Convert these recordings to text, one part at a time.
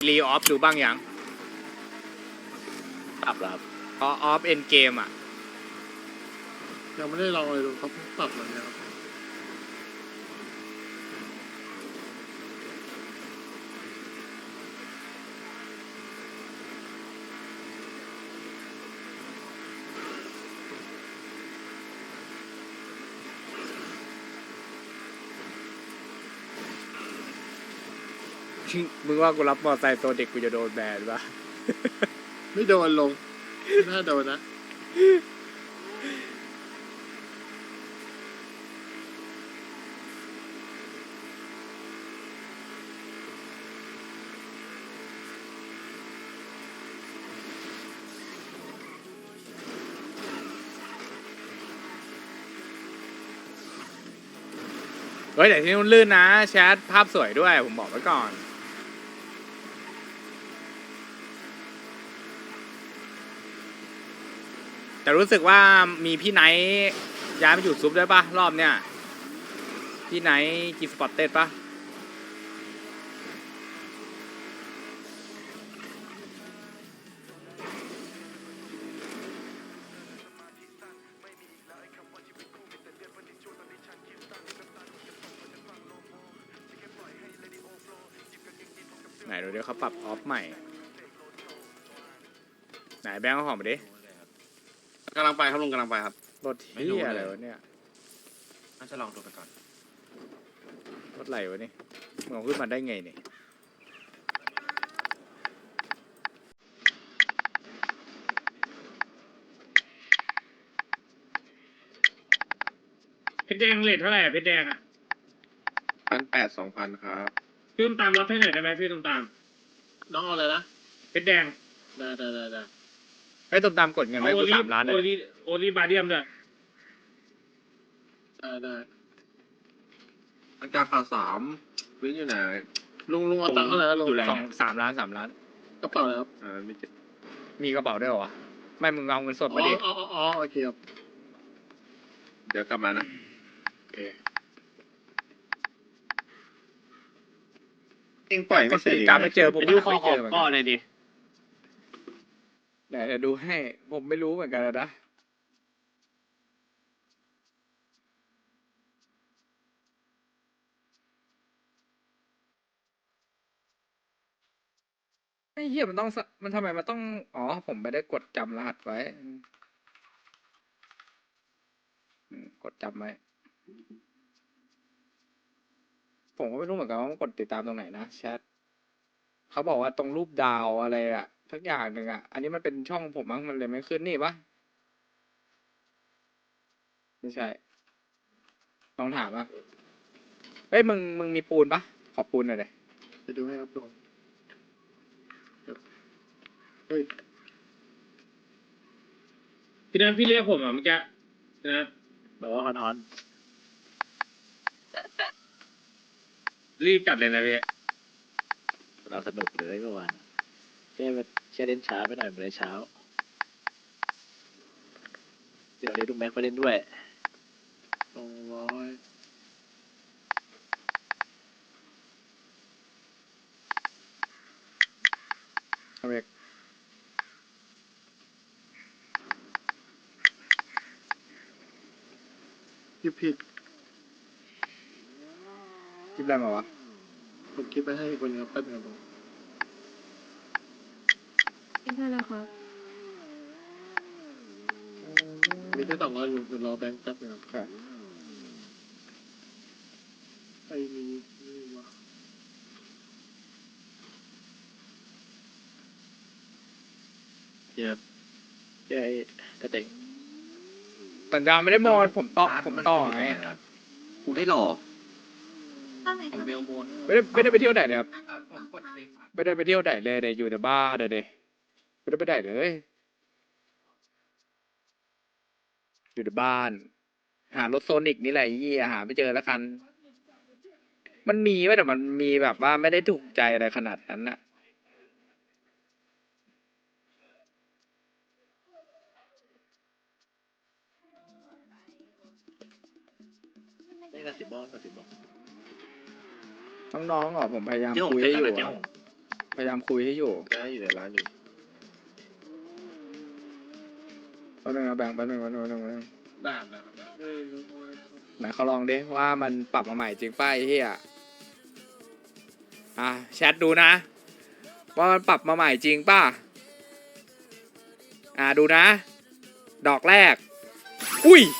รีออฟดูบ้างยังปรับแล้วครับออฟเอ็นเกมอ่ะยังไม่ได้ลองเลยดูเขาเพิ่งปรับมาเนี่ยครับมึงว่ากูรับมอไซค์ตัวเด็กกูจะโดนแบนปะไม่โดนลงไม่น่าโดนนะเฮ้ยแต่ที่นู่นลื่นนะแชทภาพสวยด้วยผมบอกไว้ก่อน แต่รู้สึกว่ามีพี่ไนท์ย้ายมาอยู่ซุปด้วยปะรอบเนี้ยพี่ไนท์กีสปอตเต็ดปะไหนดูเดี๋ยวเขาปรับออฟใหม่ไหนแบงค์เอาของมาดิกำลังไปครับลุงกำลังไปครับรถเที่ยอะไรวะเนี่ยน่าจะลองดูไปก่อนรถไหลวะนี่มึงเอาขึ้นมาได้ไงเนี่ยเพชรแดงเลทเท่าไหร่อะเพชรแดงอะ 1,800-2,000ครับพี่ตุ้มตามรับให้หน่อยได้ไหมพี่ตุ้มตามน้องเอาอะไรนะเพชรแดงได้ไอ้ยตุ่มตามกดเงินไว้กู3 ล้านเลโอย โอลีบาเดียมด้วยได้อันกาขา3วิ่งอยู่ไหนลุงเอาตังค์เท่าไหร่นะลุง 3 ล้านกระเป๋าแล้วไม่เจ็บมีกระเป๋าด้วยเหรอวะไม่มึงเอาเงินสดมาดิอ๋อโอเคครับเดี๋ยวกลับมานะโอเคเองปล่อยไม่เสร็จการไม่เจอผมไม่เจอเหมือนก็กันเลยดิไหนเดี๋ยวดูให้ผมไม่รู้เหมือนกันนะไอ้เหี้ยมันต้องมันทำไมมันต้องอ๋อผมไม่ได้กดจำรหัสไว้กดจำไว้ผมก็ไม่รู้เหมือนกันว่ามันกดติดตามตรงไหนนะแชทเขาบอกว่าตรงรูปดาวอะไรอะทักอย่างหนึ่งอะอันนี้มันเป็นช่องผมมั้งมันเลยไม่ขึ้นนี่ปะไม่ใช่ลองถามอ่ะเฮ้ยมึงมีปูนปะขอปูนหน่อยเลยจะดูให้ครับลุงเฮ้ยพี่นัทพี่เรียกผมอ่ะเมื่อกี้นะแบบว่าฮอนรีบจัดเลยนะพี่เราสนุกเลยเมื่อวานแค่เล่นช้าไปหน่อยเหมือนเช้า เดี๋ยวเล่นลูกแม็กไปเล่นด้วย 200 เอาเอกผิดคลิปอะไรมาวะผมคิดไปให้คนนึงครับแป๊บนึงครับลุงไม่ใช่แล้วครับมีแค่200อยู่รอแบงค์แป๊บนึงครับค่ะไอ้นี่วะเดี๋ยวเอ้กระเด็กสัญญาไม่ได้มอนผมต่อไงกูได้หลอกไม่ได้ไปเที่ยวไหนเลยครับไม่ได้ไปเที่ยวไหนเลยเนี่ยอยู่แต่บ้านเลยไม่ได้ไปไหนเลยอยู่แต่บ้าน หารถโซนิกนี่แหละไอ้เหี้ยหาไม่เจอแล้วกัน มันมีไว้แต่มันมีแบบว่าไม่ได้ถูกใจอะไรขนาดนั้นน่ะได้กระสิบบอกน้องๆอ่ะผมพยายามคุยให้อยู่อะพยายามคุยให้อยู่ได้อยู่ในร้านอยู่แป๊บนึงนะแบงค์แป๊บนึงได้ได้ไหนเขาลองดิว่ามันปรับมาใหม่จริงป่ะไอ้เหี้ยแชทดูนะ ว่ามันปรับมาใหม่จริงป่ะดูนะ ดอกแรก อุ้ย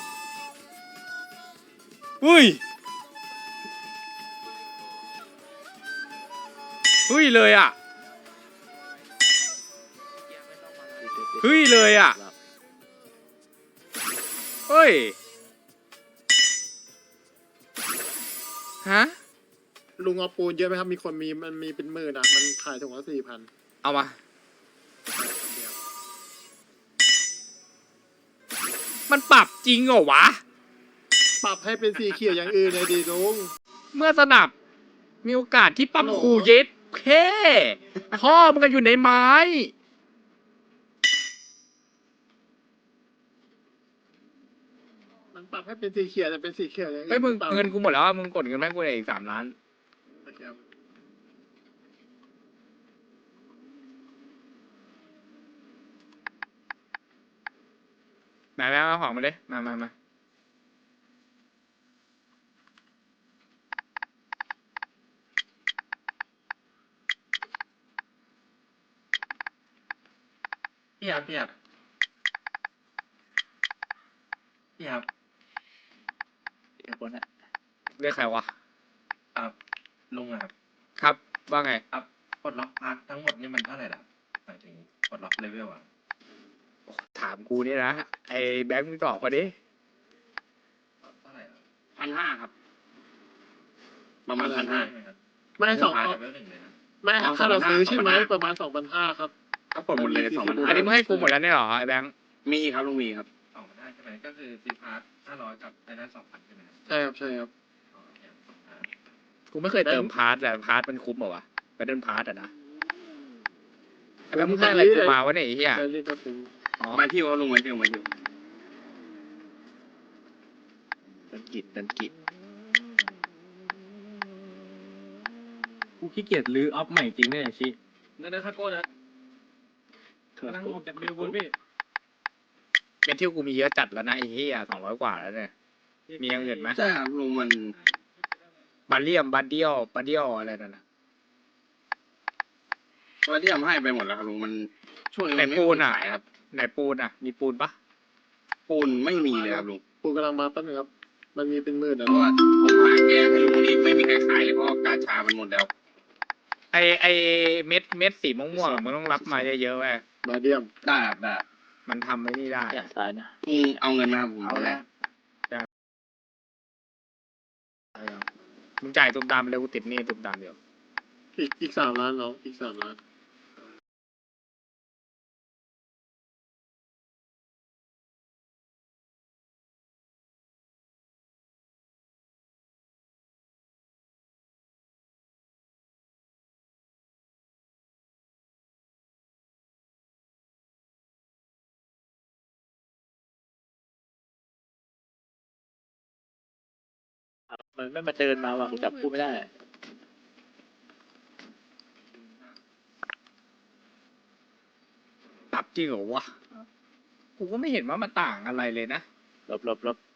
เฮ้ยเลยอ่ะเฮ้ยเลยอ่ะเฮ้ยฮะลุงเอาปูนเยอะไหมครับมีคนมันมีเป็นหมื่นอ่ะมันขายถุงละ4,000 เอามา มันปรับจริงเหรอวะปรับให้เป็นสีเขียวอย่างอื่นเลยดีลุงเมื่อสนับ มีโอกาสที่ปั๊มคูเย็ดแค่พ่อมันก็อยู่ในไม้มันปรับให้เป็นสีเขียวแต่เป็นสีเขียวอย่างอื่นเฮ้ยมึงปรับเงินกูหมดแล้วอะมึงกดเงินให้กูอีก3 ล้านครับมาเอาของมาเลยมาพี่ครับพี่คนน่ะเรียกใครวะลุงอะครับครับ ว่าไงปลดล็อกพาร์ททั้งหมดนี่มันเท่าไหร่ล่ะหมายถึงปลดล็อกเลเวลอะถามกูนี่นะ ไอ้แบงค์มึงตอบเขาดิเท่าไหร่ล่ะ 1,500 ครับประมาณ1,500 ไม่สองพาร์ทเลเวล1เลยนะไม่ถ้าเราซื้อใช่ไหมประมาณ2,500ครับถ้าปลดหมดเลย2,500 อันนี้มึงให้กูหมดแล้วเนี่ยเหรอไอ้แบงค์มีครับลุงมีครับ 2,500ใช่ไหมก็คือซื้อพาร์ท500กับไอ้นั้น2,000ใช่ไหมครับใช่ครับอ๋อเนี่ย2,500 กูไม่เคยเติมพาร์ทแต่พาร์ทมันคุ้มเหรอวะไปเดินพาร์ทอะนะไอ้แบงค์มึงให้อะไรกูมาวะเนี่ยไอ้เหี้ยแล้วนี่ก็เป็นอ๋อมาที่ว่าลุงมาที่ดันกิจกูขี้เกียจรื้อออฟใหม่จริงเนี่ยชินั่นนะคาโก้นะนั่งออกจากเบลบุนพี่เป็นที่กูมีเยอะจัดแล้วนะไอ้เหี้ย200 กว่าแล้วเนี่ย มีอย่างอื่นไหมใช่ครับลุงมันบาเลียมบาเดียวอะไรนั่นนะว่าที่ทำให้ไปหมดแล้วครับลุงมันช่วงนี้ไหนมันไม่ปูนอ่ะขายครับไหนปูนอ่ะ มีปูนปะปูนไม่มีเลยครับลุงปูกำลังมาแป๊บนึงครับมันมีเป็นหมื่นเพอ่ะราะว่าผมหาแกให้ลุงนี่ไม่มีใครขายเลยเพราะกาชามันหมดแล้วไอเม็ดสีม่วงๆอะมึงต้องรับมาเยอะๆเว้ยมาเดียมได้ครับได้มันทำไม่นี่ได้อย่างซ้ายนะลุงเอาเงินมาครับผมเอาแล้วมึงจ่ายตุ่มตามไปเลยกูติดหนี่ตุ่มตามเดียวอีก3 ล้านน้องอีก3 ล้านมันไม่มาเดินมาว่ะกูจับกูไม่ได้ปรับจริงเหรอวะ กูก็ไม่เห็นว่ามันต่างอะไรเลยนะลบ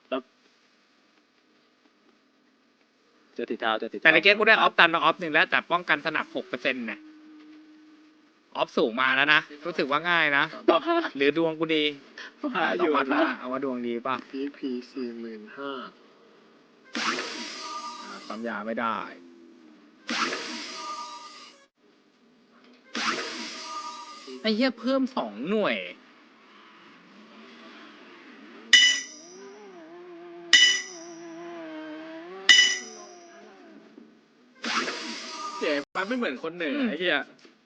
เจอติดเท้าแต่ในเกมกูได้ออฟตันมาออฟ1แล้วแต่ป้องกันสนับ6%นะออฟสูงมาแล้วนะ รู้สึกว่าง่ายนะ หรือดวงกูดีหาอยู่ต้องวัดนะละเอาว่าดวงดีป่ะพี45,000 ปั๊มยาไม่ได้ ไอ้เหี้ยเพิ่ม2 หน่วยเจ๋ปั๊มไม่เหมือนคนเหนือไอ้เหี้ย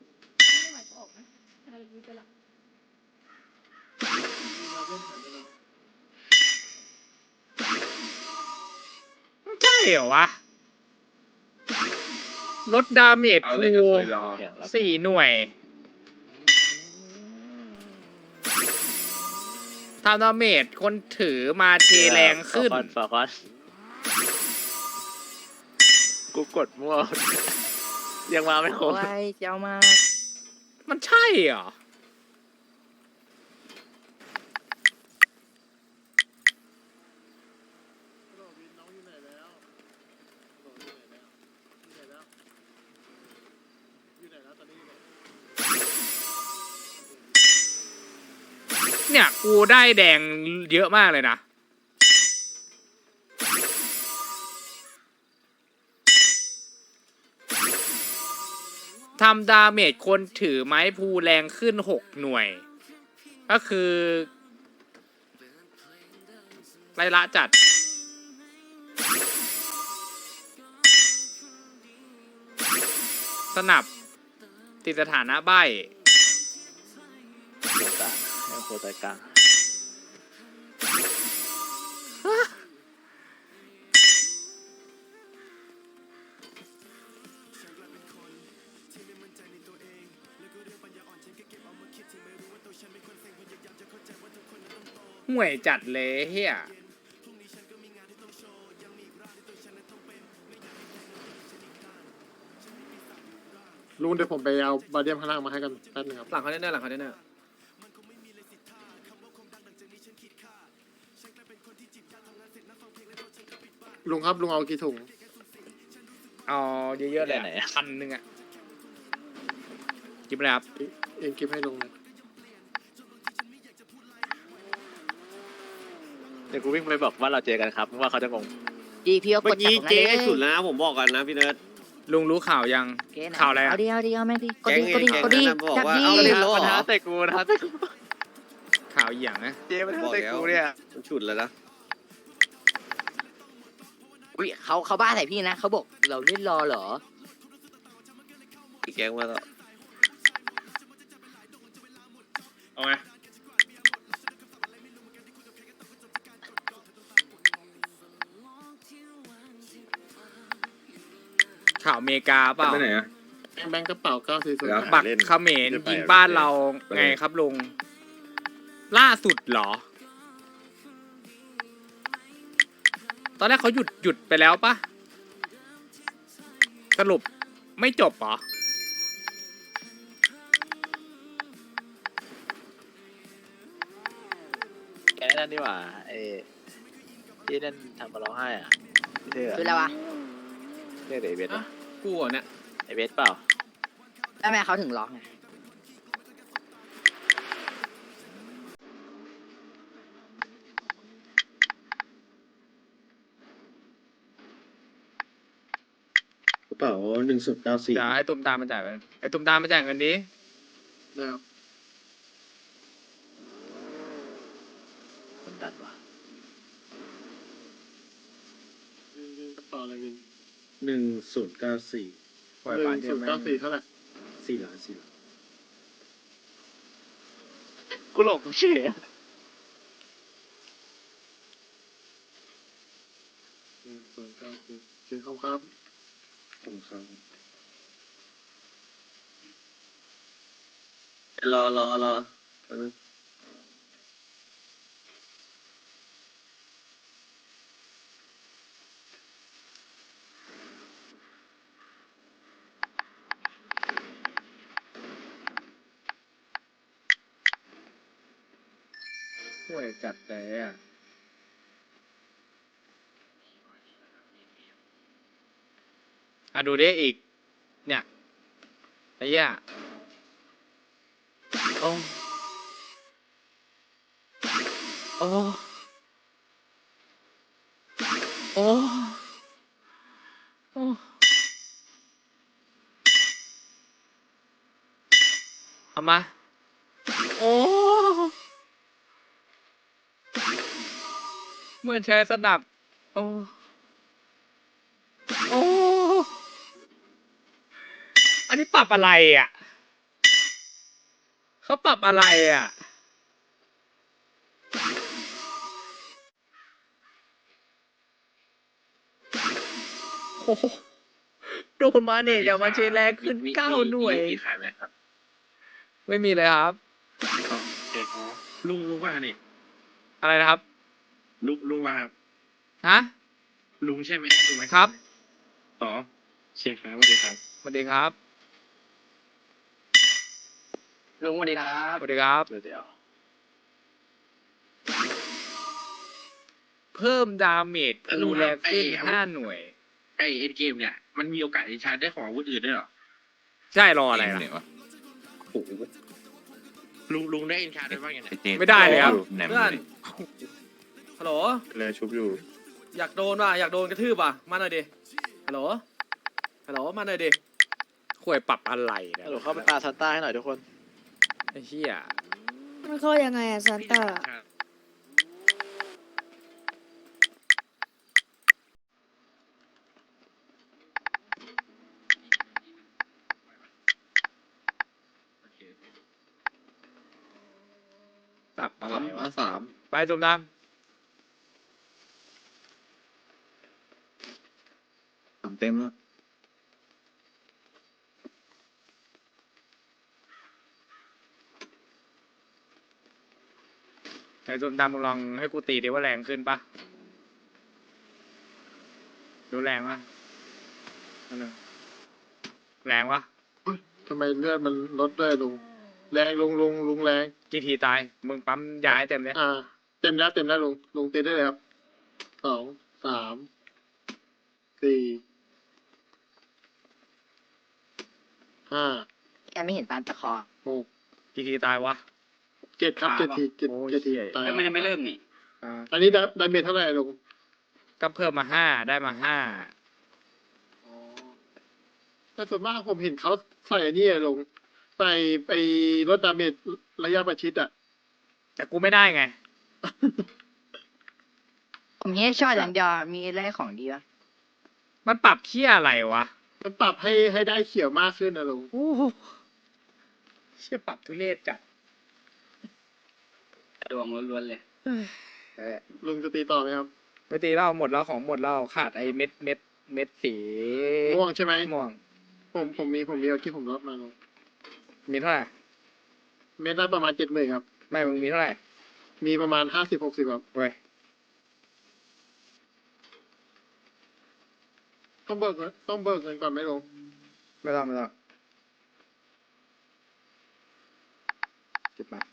ใช่เหรอวะ ลดดาเมจเอากูเลยก็เคยรอ 4 หน่วยทำดาเมจคนถือมาเทแรงขึ้นฝากอนกูกดมั่วยังมาไม่ครบโอ้ยเจ้ามากมันใช่เหรอโรบินน้องอยู่ไหนแล้วโรบินอยู่ไหนแล้วอยู่ไหนแล้วอยู่ไหนแล้วตอนนี้อยู่ไหนเนี่ยกูได้แดงเยอะมากเลยนะ ทำดาเมจคนถือไม้ภูแรงขึ้น6 หน่วย ก็คือไรละจัด สนับ ติดสถานะใบ้โคตาให้โคตากลางห่วยจัดเลยเฮียลุงเดี๋ยวผมไปเอาบาเดียมข้างล่างมาให้กันแป๊บนึงครับหลังเขาแน่ๆหลังเขาแน่ลุงครับลุงเอากี่ถุงเอาเยอะๆเลย1,000อ่ะกินไปเลยครับเองเก็บให้ลุงเลยเดี๋ยวกูวิ่งไปบอกว่าเราเจอกันครับว่าเขาจะงงดีพี่เอาเมื่กอดจากกี้ตรงนั้นเจ๊เลยสุดแล้วนะผมบอกกันนะพี่เนิร์ดลุงรู้ข่าวยังเจ๊ไหนข่าวอะไรอะเอาดิเอาแม่งดิกดแก๊งดิไงกดดิแก๊งกดดินั้นบอกจับว่าดิเอาเลยเหรอปัญหาแต่กูนะแต่กูข่าวอีหยังนะเจ๊มันแต่กูเนี่ยมันฉุดแล้วนะอุ้ยเขาบ้าใส่พี่นะเขาบอกเราเล่นรอเหรออีกแก๊งมาแล้วเอาไงข่าวอเมริกาเปล่าไปไหนอะแบงค์กระเป๋า940 แล้วบักเขมรยิงบ้านเราไงครับลุง ล่าสุดเหรอ ตอนแรกเขาหยุดไปแล้วปะสรุปไม่จบเหรอแกนั่นดีกว่าไอ้ที่นั่นทำมาร้องไห้อ่ะเท่คืออะไรวะเท่ไอเวทๆอ่ะกูเหรอเนี่ยไอเวทเปล่าแล้วแม่เขาถึงร้องไงกระเป๋า1094 เดี๋ยวไอ้ตุ้มตามมาจ่ายกันไอ้ตุ้มตามมาจ่ายเงินนี้แล้วคนดันว่ะกระเป๋าอะไรวิน 1094 ปล่อยปานเดียวแม่ง 1094เท่าไหร่ 4 ล้าน4 ล้านกูหลงเฉย 1094คือเขาครับขอบคุณครับรอแป๊บนึงห่วยจัดเลยอ่ะ ดูดิอีก เนี่ยไอ้เหี้ยโอ้โอ้โอ้โอ้เอามา โอ้เหมือนใช้สนับ โอ้โอ้อันนี้ปรับอะไรอ่ะ เขาปรับอะไรอ่ะ โอ้โหโดนมาเนี่ยจะมาเชแรงขึ้น9 หน่วยมีขายไหมครับไม่มีเลยครับอ๋อเอกอ๋อลุงว่านี่อะไรนะครับลุงว่าฮะลุงใช่ไหมลุงไหมครับอ๋อเชียร์ครับสวัสดีครับวัสดีครับลุงสวัสดีครับสวัสดีครับเดี๋ยวเพิ่มดาเมจคูแรงขึ้น5 หน่วยไอเอ็นเกมเนี่ยมันมีโอกาสที่ชาร์จได้ของอาวุธอื่นด้วยเหรอใช่รออะไรล่ะลุงได้เอ็นชาร์จได้บ้างยังไงไม่ได้เลยครับเพื่อนฮัลโหลเลยชุบอยู่อยากโดนว่ะ อยากโดนกระทืบว่ะ มาหน่อยดิ ฮัลโหล ฮัลโหล มาหน่อยดิข่วยปรับอะไรเนี่ยฮัลโหลเข้าไปปาซันต้าให้หน่อยทุกคนไอ้เหี้ยมันเข้ายังไงอะซานต้าปรับอะไรวะ 3 ไปจุ่มน้ 3เต็มแล้วำไอ้จุ่มน้ำมึงลองให้กูตีดิว่าแรงขึ้นปะดูแรงปะนั่นน่ะแรงปะทำไมเลือดมันลดด้วยลุงแรงลุงแรงกี่ทีตาย มึงปั๊มยาให้เต็มเลยเต็มแล้วลุงตีได้เลยครับ2 3 4 5 แกไม่เห็นตามตะคอ 6 กี่ทีตายวะ 7ครับ7 ทีโอ้ย 7 ทีเหี้ยตายมันยังไม่เริ่มนี่อ่าอันนี้ดาเมจเท่าไหร่ลุงก็เพิ่มมา5ได้มา5 แต่ส่วนมากผมเห็นเขาใส่อันนี้อะลุงใส่ไปลดดาเมจระยะประชิดอ่ะแต่กูไม่ได้ไงผมเฮดช็อตอย่างเดียวมีอะไรของดีวะมันปรับเหี้ยอะไรวะมันปรับให้ได้เขียวมากขึ้นนะลุงโอ้โหเชี่ยปรับทุเรศจัดดวงล้วนๆเลยลุงจะตีต่อไหมครับไม่ตีเหล้าหมดแล้วของหมดแล้วขาดไอ้เม็ดสีม่วงใช่ไหมม่วงผมมีเอาที่ผมลดมาลุงมีเท่าไหร่เม็ดละประมาณ70,000ครับไม่มึงมีเท่าไหร่มีประมาณ50-60ครับเว้ยต้องเบิกเงินก่อนไหมลุงไม่ต้องเก็บมา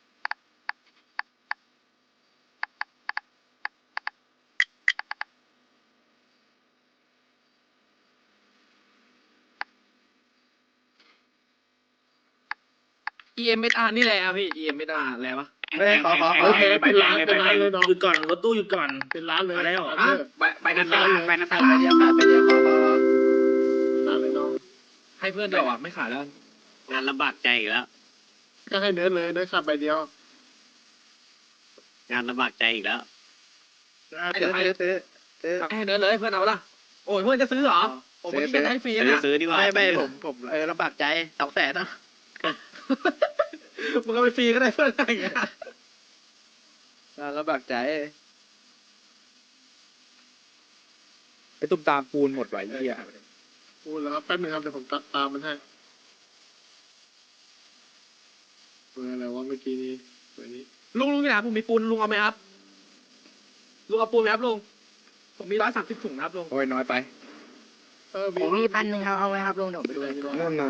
EMSR นี่แหละพี่ EMSR อะไรวะเฮ้ยขอเป็นล้านเลยเนาะหยุดก่อนรถตู้หยุดก่อนเป็นล้านเลยอะไรหรอไปนันตาไปนันตาไปเดียวค่ะไปเดียวล้านเลยเนาะให้เพื่อนเดียวอ่ะไม่ขายแล้วงานลำบากใจอีกแล้วก็ให้เนื้อเลยเนื้อขับใบเดียวงานลำบากใจอีกแล้วซื้อให้เนื้อเลยเพื่อนเอาละโอ้ยเพื่อนจะซื้อเหรอผมไม่ได้ให้ฟรีนะซื้อดีกว่าไม่ผมลำบากใจ200,000นะมึงก็ไปฟรีก็ได้เพื่อนอะไรอย่างเงี้ยลำบากใจไปตุ้มตามปูนหมดไว้เหี้ยพูดแล้วครับแป๊บนึงครับเดี๋ยวผมตามมันให้เบอร์อะไรวะเมื่อกี้นี้เบอร์นี้ลุงนี่นะผมมีปูนลุงเอาไหมครับลุงเอาปูนไหมครับลุงผมมี130 ถุงนะครับลุงโอ้ยน้อยไปผมมี1,000ครับเอาไว้ครับลุงเดี๋ยวไปดูนู่นน่ะ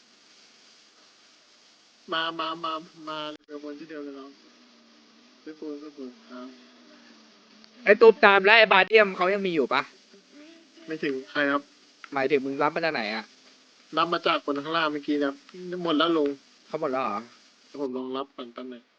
มาเดี๋ยววนที่เดียวเลยเนาะซื้อปูนครับไอ้ตุ้มตามและไอ้บาเดียมเขายังมีอยู่ปะไม่ถึงใครครับหมายถึงมึงรับมาจากไหนอ่ะรับมาจากคนข้างล่างเมื่อกี้นะครับหมดแล้วลงเขาหมดแล้วเหรอเดี๋ยวผมลองรับก่อนแป๊บนึง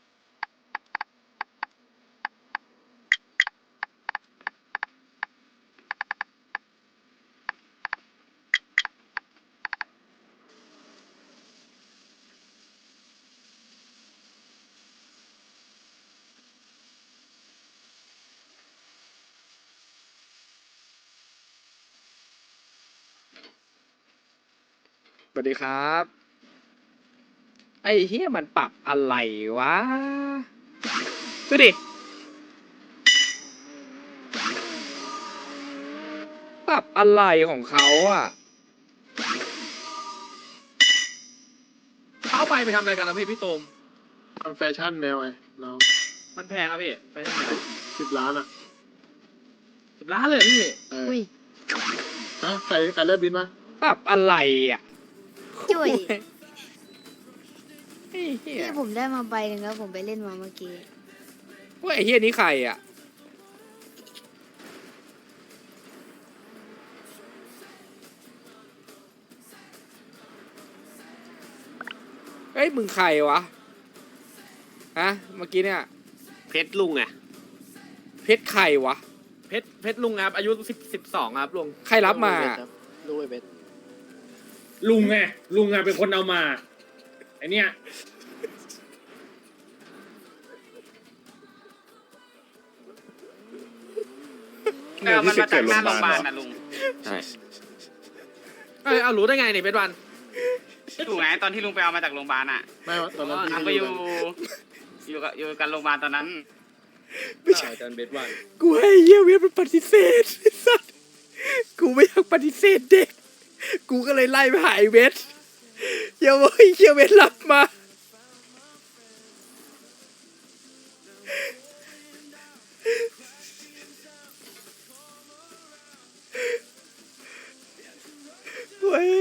สวัสดีครับ ไอ้เฮียมันปรับอะไรวะ ดูดิ ปรับอะไรของเขาอ่ะเอาไปทำอะไรกันนะพี่โตมทำแฟชั่นแนวไงเรามันแพงครับพี่ไปที่ไหน 10 ล้านอ่ะ 10 ล้านเลยพี่เอออุ้ยฮะใครเลิกบินมาปรับอะไรอ่ะจุ๋ยไอ้เหี้ยที่ผมได้มาใบหนึ่งแล้วผมไปเล่นมาเมื่อกี้ว่าไอ้เหี้ยนี้ใครอ่ะเฮ้ยมึงใครวะฮะเมื่อกี้เนี่ยเพชรลุงไงเพชรใครวะเพชรลุงครับอายุ12ครับลุงใครรับมาลูกไอ้เบสลุงไงลุงไงเป็นคนเอามาไอเนี้ยเนี่ยที่เกิดโรงพยาบาลเหรอใช่เอารู้ได้ไงเนี่ยเพชรวันถูกไงตอนที่ลุงไปเอามาจากโรงพยาบาลอ่ะไม่ว่าตอนนั้นทำพี่ก็ไม่อยู่อยู่กันโรงพยาบาลตอนนั้นไม่ใช่กูให้เหี้ยเวทมันปฏิเสธไอ้สัสกูไม่อยากปฏิเสธเด็ก กูก็เลยไล่ไปหาไอ้เวทเหี้ยเว้ยเหี้ยเวทรับมาเว้ย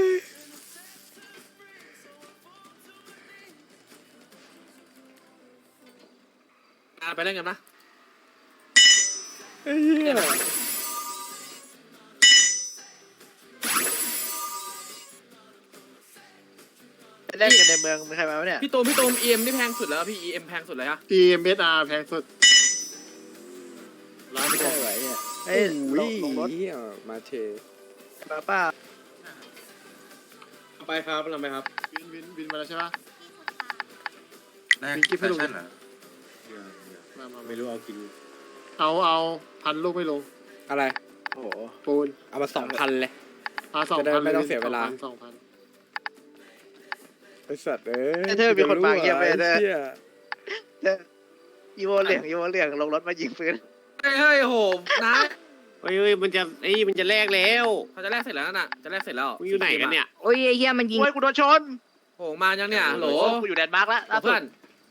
ไปเล่นกันนะไอ้เหี้ยแรกกันในเมืองมีใครมาวะเนี่ยพี่ตูมเอ็มนี่แพงสุดแล้วพี่เอ็มแพงสุดเลยฮะทีเอสอาร์แพงสุดร้านไม่ไม่ใช่ได้ไหวเนี่ยโอ้เอ้ยยลงรถเหี้ยมาเทมาป้าไปครับเราไปครับวินมาแล้วใช่ปะแรกมีกิ๊บให้ลุงแฟชั่นเหรอมาไม่รู้เอากินเอาพันลูกไม่ลงอะไรโอ้โหปูนเอามา 2,000 เลย 2,000 จะได้ไม่ต้องเสียเวลา 2,000 ไอ้สัตว์เอ้ยเธอมีคนมาเยี่ยมไปเธอเหี้ยอีโวเหลืองลงรถมายิงปืนเฮ้ยโหนะเฮ้ยมันจะแลกแล้วเขาจะแลกเสร็จแล้วน่ะจะแลกเสร็จแล้วมึงอยู่ไหนกันเนี่ยโอ้ยไอ้เฮียมันยิงโอ้ยกูโดนชนโหมายังเนี่ยโหลกูอยู่แดนมาร์กแล้วล่าสุเพื่อดน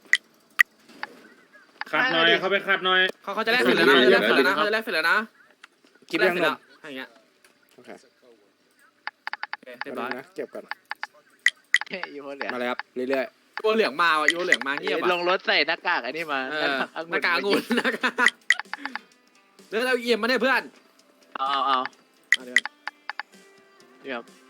ขัดหน่อยเขาไปขัดหน่อยเขาจะแลกเสร็จแล้วนะเขาจะแลกเสร็จแล้วนะกินแลยักงเสร็จนแล้วมอย่างเงี้ยโอเคเรียบร้อยนะเก็บก่อนอีโวเหลืองมาเลยครับเรื่อยยูเหลืองมาว่ะยูเหลืองมาเงียบลอ่ะงรถใส่หน้ากากอันนี้มาหน้ากากองุ่นหน้ากากเรื่องเราเอี่ยมมาเนี่ยเพื่อนเอามาเดี๋ยวนี่ครับ